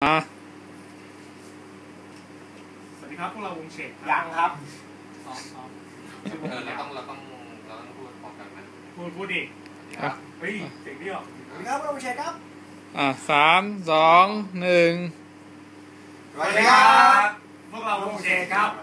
สวัสดีครับพวกเราวงเฉดยังครับเราต้องพูดพร้อมกันนะพูดดิเฮ้ยเสียงเดียวสวัสดีครับพวกเราวงเฉดครับ 3 2 1 สวัสดีครับพวกเราวงเฉดครับ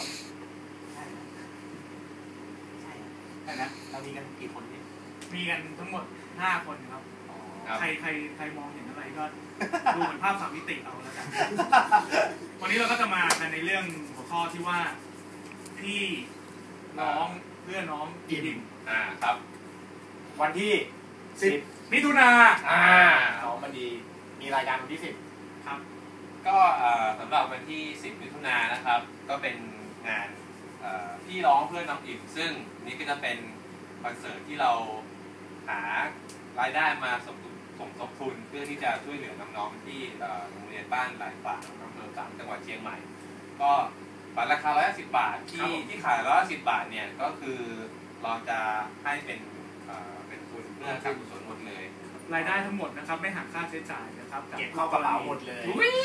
ใช่นะเรามีกันกี่คนเนี่ยมีกันทั้งหมด5 คนครับใครมองเห็นอะไรก็ดูเหมือนภาพ3 มิติเอาแล้วกันวันนี้เราก็จะมากันในเรื่องหัวข้อที่ว่าพี่น้องเพื่อนน้องอิ่มครับวันที่10 มิถุนาน้องมันดีมีรายการวันที่10 ครับก็สำหรับวันที่10 มิถุนายนนะครับก็เป็นงานพี่ร้องเพื่อนน้องอิ่มซึ่งนี่ก็จะเป็นคอนเสิร์ตที่เราหารายได้มาสมทบทุนเพื่อที่จะช่วยเหลือน้องๆที่โรงเรียนบ้านหลายฝ่ายอำเภอ3จังหวัดเชียงใหม่ก็บัตรราคา110 บาทที่ขาย110 บาทเนี่ยก็คือเราจะให้เป็นทุนเพื่อการกุศลหมดเลยรายได้ทั้งหมดนะครับไม่หักค่าใช้จ่ายนะครับเก็บเข้ากระเป๋าหมดเลย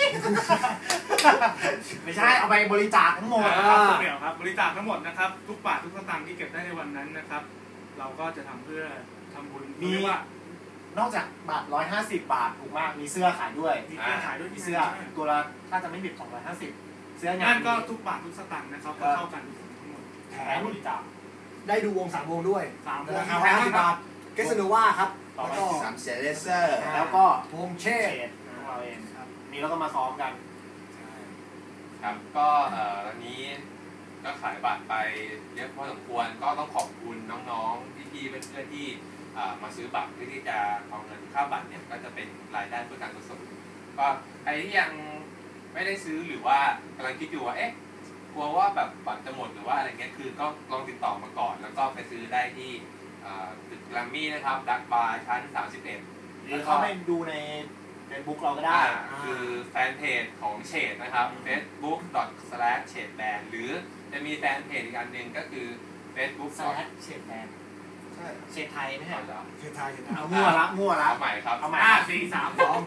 ไม่ใช่เอาไปบริจาคทั้งหมดเดี๋ยวครับบริจาคทั้งหมดนะครับทุกบาททุกสตางค์ที่เก็บได้ในวันนั้นนะครับเราก็จะทำเพื่อทำบุญมีว่านอกจากบาท150 บาทถูกมากมีเสื้อขายด้วยมีเสื้อขายด้วยมีเสื้อตัวละถ้าจะไม่ผิด250เสื้องานนั่นก็ทุกบาททุกสตางค์นะครับก็เท่ากันทั้งหมดแถมบริจาคได้ดูวง3 วงด้วย 3 วง 50 บาทเกสโนวาครับแล้วก็ 3 เสียเลเซอร์แล้วก็วงเชดเราเองครับนี่เราก็มาซ้อมกันครับก็ตอนนี้ก็ขายบัตรไปเยอะพอสมควรก็ต้องขอบคุณน้องๆพี่ๆเพื่อนๆที่มาซื้อบัตรเพื่อที่จะเอาเงินค่าบัตรเนี่ยก็จะเป็นรายได้เพื่อการกุศลก็ใครที่ยังไม่ได้ซื้อหรือว่ากำลังคิดอยู่ว่ากลัวว่าแบบบัตรจะหมดหรือว่าอะไรเงี้ยคือก็ลองติดต่อมาก่อนแล้วก็ไปซื้อได้ที่ตึกแกรมมี่นะครับดักบาร์ชั้น31 หรือเข้าไปดูใน Facebook เราก็ได้คือแฟนเพจของเฉดนะครับ facebook.com/chedband หรือจะมีแฟนเพจอีกอันหนึ่งก็คือ facebook/chedband ใช่เชดไทยไม่ใช่เหรอเชดไทยเอามั่วละเอาใหม่ครับเอาใหม่ 4 3 2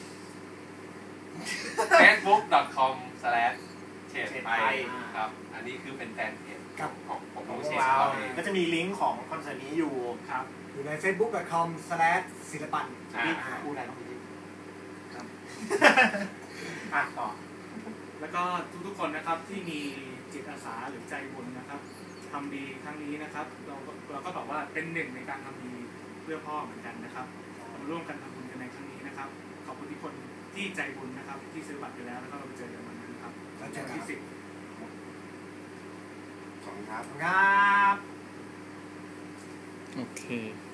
facebook.com/chedband ครับอันนี้คือเป็นแฟนเพจของเชดเราก็จะมีลิงก์ของคอนเสิร์ตนี้อยู่ครับอยู่ใน facebook.com/ศิลปันพูดอะไรต้องพูดต่อแล้วก็ทุกๆคนนะครับที่มีจิตอาสาหรือใจบุญนะครับทำดีครั้งนี้นะครับเราก็บอกว่าเป็นหนึ่งในการทำดีเพื่อพ่อเหมือนกันนะครับมาร่วมกันทำบุญกันในครั้งนี้นะครับขอบคุณทุกคนที่ใจบุญนะครับที่ซื้อบัตรไปแล้วแล้วก็เราไปเจอกันวันนั้นครับวันที่10 ขอบคุณครับครับโอเค